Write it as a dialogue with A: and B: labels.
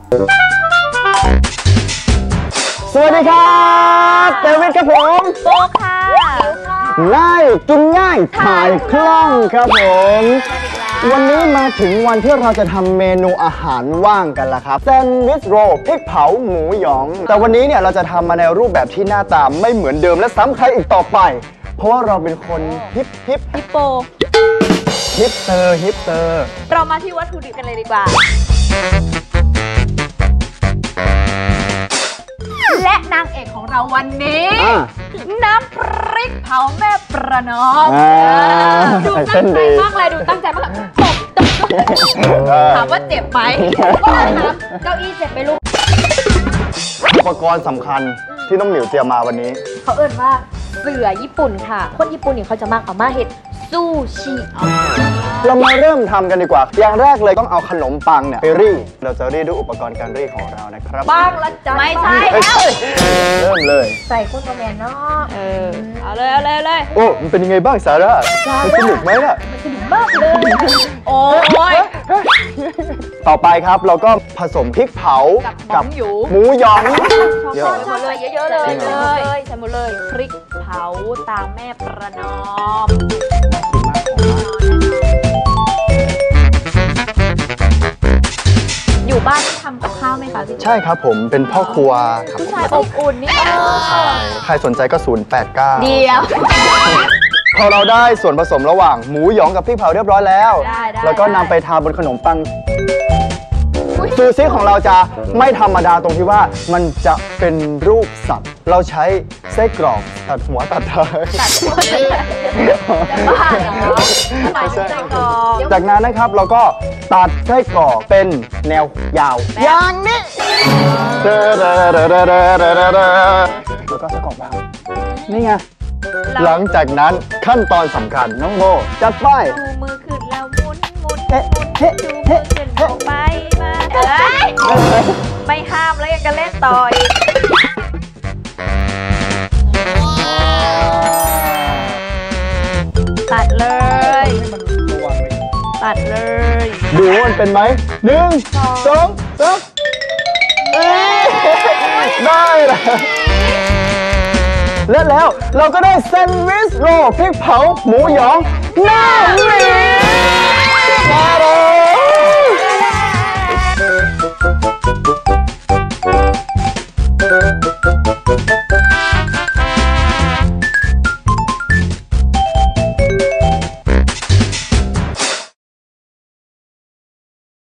A: สวัสดีครับเดวิดครับผม
B: โบค่ะ
A: ง่ายกินง่ายถ่ายคล่องครับผมวันนี้มาถึงวันที่เราจะทำเมนูอาหารว่างกันแล้วครับแซนด์วิชโรลพริกเผาหมูหยองแต่วันนี้เนี่ยเราจะทำมาในรูปแบบที่หน้าตาไม่เหมือนเดิมและซ้ำใครอีกต่อไปเพราะว่าเราเป็นคนฮิป
B: โป
A: ฮิปเตอร์
B: เรามาที่วัตถุดิบกันเลยดีกว่าและนางเอกของเราวันนี้น้ำพริกเผาแม่ประนอมดูตั้งใจมากเลยถามว่าเจ็บไหมก็ถามเก้าอี้เจ็บไหมลูก
A: อุปกรณ์สำคัญที่น้องหมิวเตรียมมาวันนี้
B: เขาเอิ้นว่าเสือญี่ปุ่นค่ะคนญี่ปุ่นเนี่ยเขาจะมักเอามาเห็ดซูชิ
A: เรามาเริ่มทำกันดีกว่าอย่างแรกเลยต้องเอาขนมปังเนี่ยไปรีดเราจะรีดด้วยอุปกรณ์การรีดของเรานะครับ
B: ปังละจ้ะไม่ใช่แล้ว
A: เริ่มเลย
B: ใส่ข้าวแมนเนาะเอาเลย
A: โอ้มันเป็นยังไงบ้างซาร่ามันสนุกไหมล่ะ
B: มันสนุกมากเลยโอ้ย
A: ต่อไปครับเราก็ผสมพริกเผากับหมูหยอง
B: เยอะเลยเยอะเลยใส่หมดเลยพริกเผาตามแม่ประนอมอยู่บ้านทำกับข้าวไหมคะพี่
A: ใช่ครับผมเป็นพ่อครัวครับ
B: ผู้ชายอบอุ่นนี่
A: ใช่ใครสนใจก็089
B: เดียว
A: พอเราได้ส่วนผสมระหว่างหมูหยองกับพริกเผาเรียบร้อยแล้วแล้วก็นำไปทาบนขนมปังซูชิของเราจะไม่ธรรมดาตรงที่ว่ามันจะเป็นรูปสัตว์เราใช้ไส้กรอกตัดหัวตัดท้ายจากนั้นนะครับเราก็ตัดไส้กรอกเป็นแนวยาวอย่างนี้แล้วก็ไส้กรอกแบบนี่ไงหลังจากนั้นขั้นตอนสำคัญน้องโบจัดไป
B: ดูมือขึ้นแล้วหมุนดูมือขึ้นลงไปมาไม่ห้ามแล้วยังจะเล่นต่ออีกตัดเลย
A: ดูมันเป็นไหม1 2 3ได้แล้วเราก็ได้แซนด์วิชโรลพริกเผาหมูหยองหน้าหมี